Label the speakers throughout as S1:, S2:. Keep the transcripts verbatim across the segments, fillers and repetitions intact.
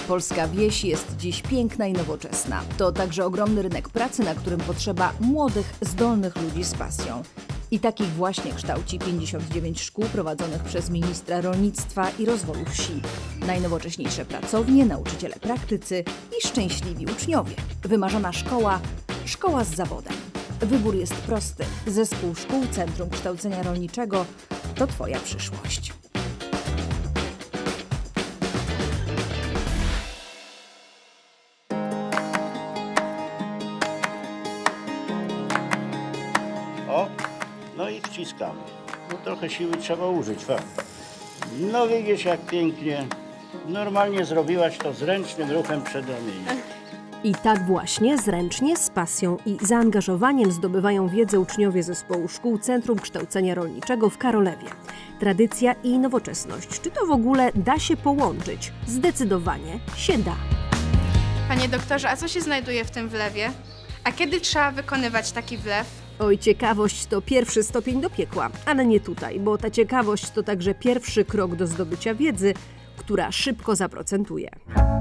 S1: Polska wieś jest dziś piękna i nowoczesna. To także ogromny rynek pracy, na którym potrzeba młodych, zdolnych ludzi z pasją. I takich właśnie kształci pięćdziesiąt dziewięć szkół prowadzonych przez ministra rolnictwa i rozwoju wsi. Najnowocześniejsze pracownie, nauczyciele praktycy i szczęśliwi uczniowie. Wymarzona szkoła, szkoła z zawodem. Wybór jest prosty. Zespół Szkół Centrum Kształcenia Rolniczego to Twoja przyszłość.
S2: O, no i wciskamy. No trochę siły trzeba użyć, fakt. No widzisz jak pięknie. Normalnie zrobiłaś to zręcznym ruchem przedramienia.
S3: I tak właśnie zręcznie, z pasją i zaangażowaniem zdobywają wiedzę uczniowie zespołu Szkół Centrum Kształcenia Rolniczego w Karolewie. Tradycja i nowoczesność. Czy to w ogóle da się połączyć? Zdecydowanie się da.
S4: Panie doktorze, a co się znajduje w tym wlewie? A kiedy trzeba wykonywać taki wlew?
S3: Oj, ciekawość to pierwszy stopień do piekła, ale nie tutaj, bo ta ciekawość to także pierwszy krok do zdobycia wiedzy, która szybko zaprocentuje.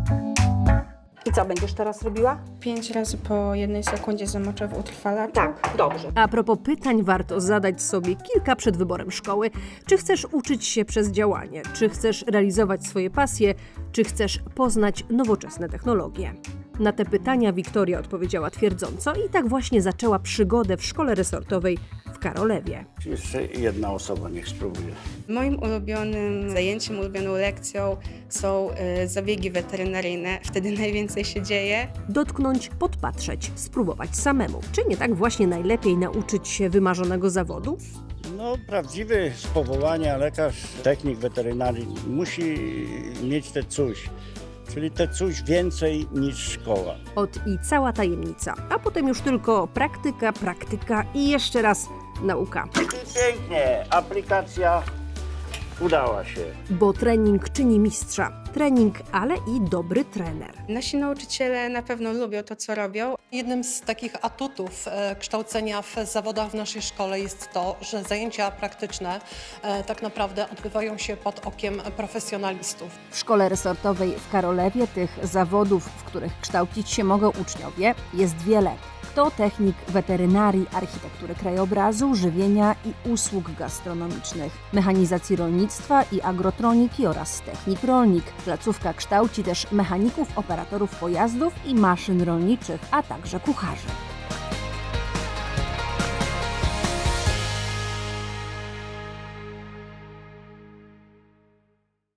S5: I co będziesz teraz robiła?
S4: Pięć razy po jednej sekundzie zamoczę w utrwalaczu.
S5: Tak, dobrze.
S3: A propos pytań, warto zadać sobie kilka przed wyborem szkoły. Czy chcesz uczyć się przez działanie? Czy chcesz realizować swoje pasje? Czy chcesz poznać nowoczesne technologie? Na te pytania Wiktoria odpowiedziała twierdząco i tak właśnie zaczęła przygodę w szkole resortowej w Karolewie.
S2: Jeszcze jedna osoba niech spróbuje.
S4: Moim ulubionym zajęciem, ulubioną lekcją są y, zabiegi weterynaryjne. Wtedy najwięcej się dzieje.
S3: Dotknąć, podpatrzeć, spróbować samemu. Czy nie tak właśnie najlepiej nauczyć się wymarzonego zawodu?
S2: No prawdziwy z powołania lekarz, technik weterynarii musi mieć te coś. Czyli te coś więcej niż szkoła.
S3: Od i cała tajemnica, a potem już tylko praktyka, praktyka i jeszcze raz nauka.
S2: I pięknie, aplikacja udała się.
S3: Bo trening czyni mistrza. Trening, ale i dobry trener.
S4: Nasi nauczyciele na pewno lubią to, co robią.
S6: Jednym z takich atutów e, kształcenia w zawodach w naszej szkole jest to, że zajęcia praktyczne e, tak naprawdę odbywają się pod okiem profesjonalistów.
S1: W szkole resortowej w Karolewie tych zawodów, w których kształcić się mogą uczniowie, jest wiele. To technik weterynarii, architektury krajobrazu, żywienia i usług gastronomicznych, mechanizacji rolnictwa i agrotroniki oraz technik rolnik. Placówka kształci też mechaników, operatorów pojazdów i maszyn rolniczych, a także kucharzy.